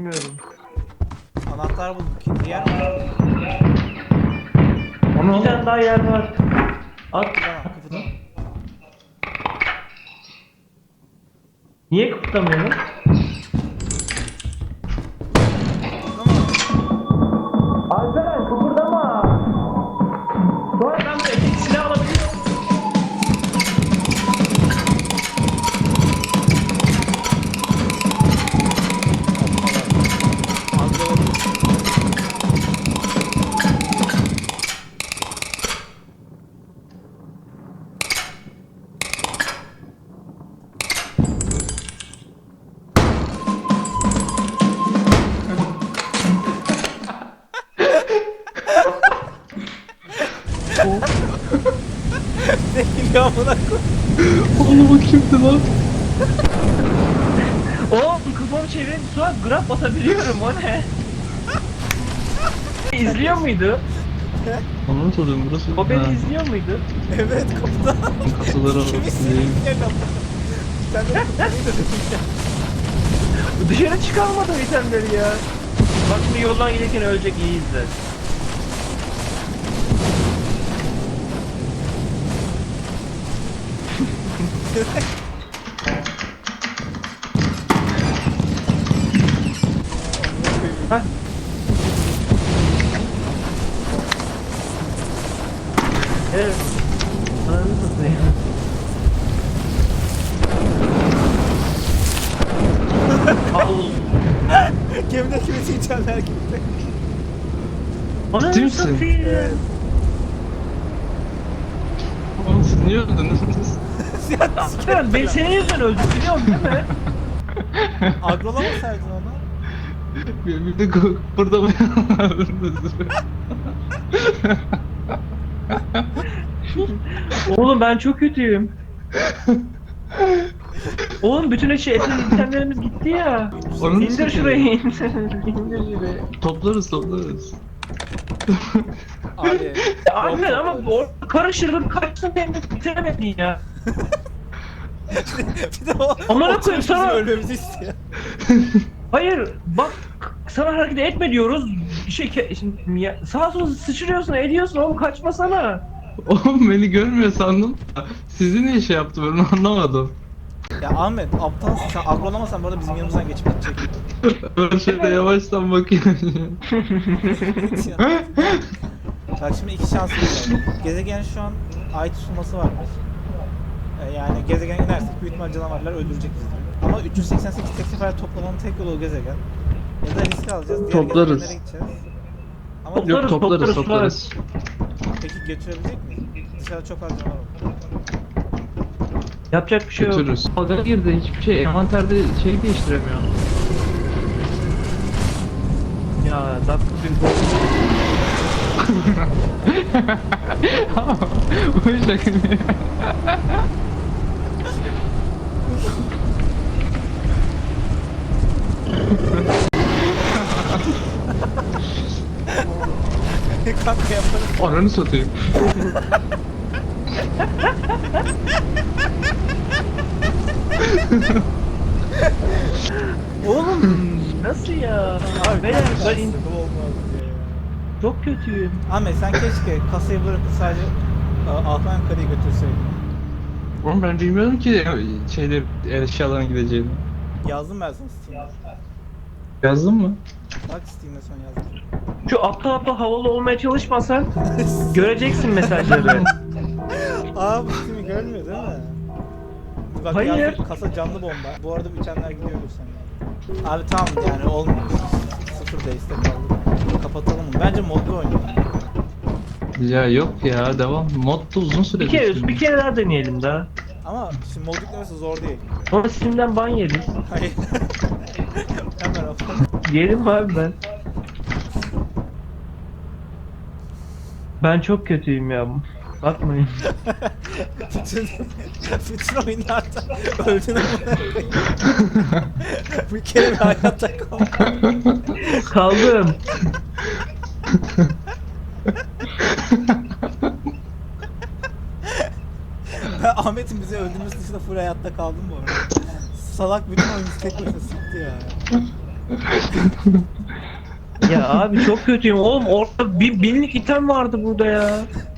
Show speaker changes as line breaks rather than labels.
bilmiyorum.
Anahtar bulduk. İkinci yer mi?
Bir tane daha yer var. At.
Tamam, kıpırdama.
Niye kıpırdamıyorum?
Tamam.
Alperen kıpırdama. Sonra ben bir tek silah alabiliyorum.
Ne geliyor amına koy.
Oğlum o kimdi lan?
Oğlum kafamı çevirince sonra grab basabiliyorum, o ne? İzliyor muydu?
Onu mu soruyorum burası?
O beni izliyor muydu?
Evet, kapıda.
Kasalara
Kimi
bakayım.
sinirli amına. Sen de kapıyı da dedin ya.
Dışarı çıkarmadım itemleri ya. Bak şimdi yoldan gelirken ölecek, iyi izle. Hah. Evet. Ananı satayım. Allah.
Gemideki bütün içenler gitti.
Ananı
Ciddi misin?
satayım.
Oğlum siz niye öldünüz?
Aslan ben senin yüzünden öldüm, biliyorsun değil mi?
Agrolamasaydın onu.
Bir de burada mı?
Oğlum ben çok kötüyüm. Oğlum bütün itemlerimiz gitti ya.
Onun
İndir
için
şurayı, indir. İndir şurayı.
Toplarız.
Abi.
Ya Ahmet ama karıştırdın, kaçtın hem de bitiremedin ya.
Bir de o
Amına
oturup
koyayım
bizim
sana.
ölmemizi istiyor.
Hayır bak, sana hareket etme diyoruz. Şimdi sağa sola sıçrıyorsun, ediyorsun oğlum, kaçmasana.
Oğlum beni görmüyor sandım. Sizi niye şey yaptı ben onu anlamadım.
Ya Ahmet, aptalsın sen. Agrolamasan bu arada bizim yanımızdan geçip gidecek.
Ben şöyle yavaştan bakayım.
Bak şimdi iki şansımız var. Gezegen şu an ay tutulması varmış. Yani gezegen inersek büyük ihtimal canavarlar öldürecek bizi. Ama 388 sefer toplamanın tek yolu o gezegen. Ya da risk alacağız. Diğer
Toplarız.
gezegenlere gideceğiz. Ama
Toplarız,
Yok
toplarız.
toplarız.
peki götürebilecek miyiz? Dışarıda çok az canavar var.
Yapacak bir şey yok.
Götürürüz.
Dalga girdi, hiçbir şey envanterde şey değiştiremiyor.
Ya dakika bir gol.
Bu şaka mı?
Kanka yaparız.
Ananı satayım.
Oğlum nasıl ya? Abi beyler ben
Bu olmaz diye ya.
çok kötüyüm.
Ahmet sen keşke kasayı bırakıp sadece Alpan yukarıya götürseydin.
Oğlum ben bilmiyorum ki şeyler eşyaların gideceğini.
Yazdım ben sana Steam'de.
Yazdın mı?
Bak Steam'de son yazdım.
Şu aptal havalı olmaya çalışmasan göreceksin mesajları.
Aa bu Steam'i görmüyor değil mi? Bak
Hayır.
yazdım, kasa canlı bomba. Bu arada bitenler gidiyordur sen. Abi tamam yani olmuyor. Sıfır base'de kaldık. Kapatalım mı? Bence modlu oynayalım.
Ya yok ya devam. Mod da uzun süre
bir kere daha deneyelim daha.
Ama şimdi mod yüklemesi zor değil.
Ama Steam'den ban yeriz.
Hayır. Hemen afon.
Yerim abi ben. Ben çok kötüyüm ya. Bakmayın.
bütün oyunlarda öldün ama. Bir kere bir hayatta kal.
Kaldım.
Ben Ahmet'in bizi öldürmesi dışında full hayatta kaldım bu arada. Salak bütün oyunu tek başına sıktı ya.
Ya abi çok kötüyüm oğlum, orada bir binlik item vardı burada ya.